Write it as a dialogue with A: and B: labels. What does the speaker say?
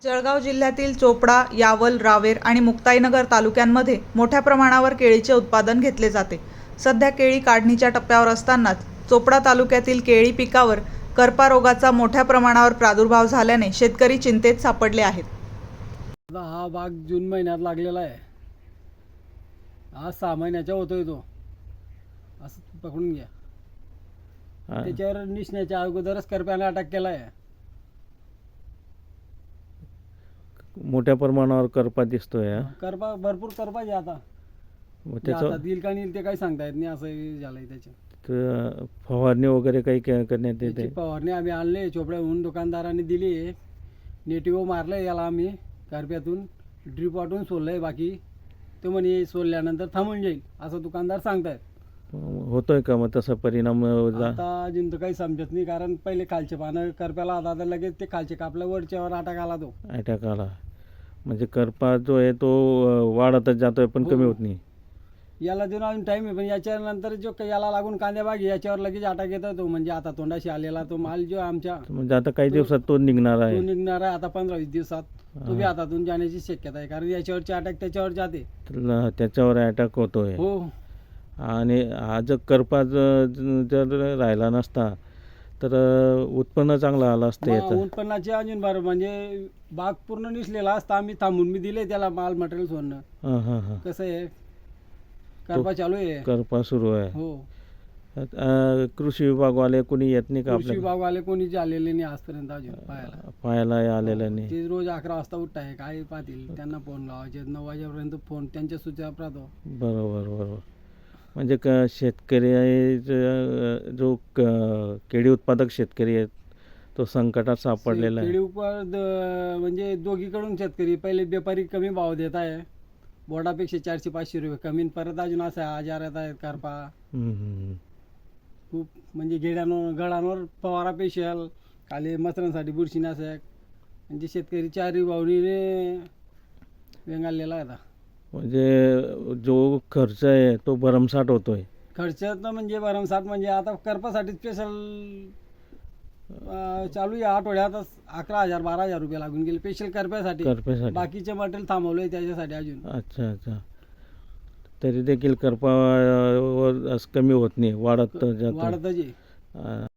A: जळगाव जिल्ह्यातील चोपडा, यावल, रावेर आणि मुक्ताईनगर तालुक्यांमध्ये मोठ्या प्रमाणावर केळीचे उत्पादन घेतले जाते. सध्या केळी काढणीच्या टप्प्यावर असतानाच चोपडा तालुक्यातील केळी पिकावर करपा रोगाचा मोठ्या प्रमाणावर प्रादुर्भाव झाल्याने शेतकरी चिंतेत सापडले आहेत.
B: हा बाग जून महिन्यात लागलेला आहे. हा 6 महिन्याचा होतोय तो, असं पकडून घ्या. त्याच्यावर निसण्याच्या अगोदरच करप्याने अटॅक केला आहे.
C: मोठ्या प्रमाणावर करपा दिसतोय.
B: करपा भरपूर करपा आहे आता. आता दिल का नाही ते काही सांगता येत नाही, असं झालंय त्याच्यात.
C: फवारणी वगैरे काही करण्यात येते.
B: फवारणी आम्ही आणले चोपड्याहून, दुकानदारांनी दिली. नेटिव्ह मारलंय याला आम्ही करप्यातून, ड्रीप वाटून सोडलंय. बाकी तो म्हणे सोडल्यानंतर थांबून जाईल असं दुकानदार सांगतायत.
C: होतोय का मग तसा परिणाम?
B: आता अजून तर काही समजत नाही, कारण पहिले खालचे पानं करप्याला आता तर लगेच ते खालचे कापल्या, वरच्यावर अटॅक आला. तो
C: अटॅक आला म्हणजे करपा जो आहे तो वाढतच जातोय पण कमी होत नाही.
B: याला देऊन अजून टाईम आहे, पण याच्यानंतर जो याला लागून कांद्या बाग याच्यावर लगेच अटॅक येतो. तो म्हणजे आता तोंडाशी आलेला तो माल जो आमच्या
C: म्हणजे आता काही दिवसात तो निघणार आहे.
B: तो निघणार आहे आता 15-20 दिवसात. तो बी हातातून जाण्याची शक्यता आहे, कारण याच्यावरचे अटॅक त्याच्यावर जाते.
C: त्याच्यावर अटॅक होतोय.
B: हो.
C: आणि हा जर करपा जर राहिला नसता तर उत्पन्न चांगलं आलं असतं. याचं
B: उत्पन्नाचे अजून बरं म्हणजे बाग पूर्ण निसलेला असता. आम्ही थांबून मी दिले त्याला माल मटेरियल सोडणं. कसं आहे, करपा चालू आहे,
C: करपा सुरू आहे.
B: हो.
C: कृषी विभागवाले कोणी येत नाही का?
B: कृषी विभागवाले कोणीच आलेले नाही आजपर्यंत अजून
C: पाहायला आलेलं नाही.
B: ते रोज 11 वाजता उठताय, काय पाहतील, त्यांना फोन लावायचे. 9 वाजेपर्यंत फोन त्यांच्या सूचना राहतो.
C: बरोबर. म्हणजे शेतकरी जो केळी उत्पादक शेतकरी आहेत तो संकटात सापडलेला आहे.
B: केळी उत्पादक म्हणजे दोघीकडून शेतकरी, पहिले व्यापारी कमी भाव देत आहे, बोर्डापेक्षा 400-500 रुपये कमी. परत अजून असं आजार येत आहेत, करपा खूप. म्हणजे गडांवर फवारा स्पेशल, खाली मचरांसाठी बुरशीनाशक. म्हणजे शेतकरी 4 भावनीने वेंगाळलेला आहे आता. म्हणजे
C: जो खर्च आहे तो भरमसाठ होतोय.
B: खर्च तर म्हणजे भरमसाठ म्हणजे आता करपासाठी स्पेशल चालू आहे. आठवड्यात 11,000-12,000 रुपये लागून गेले स्पेशल करप्यासाठी. बाकीचे मटेरियल थांबवलंय त्याच्यासाठी अजून.
C: अच्छा. तरी देखील करपा कमी होत नाही, वाढतच
B: आहे.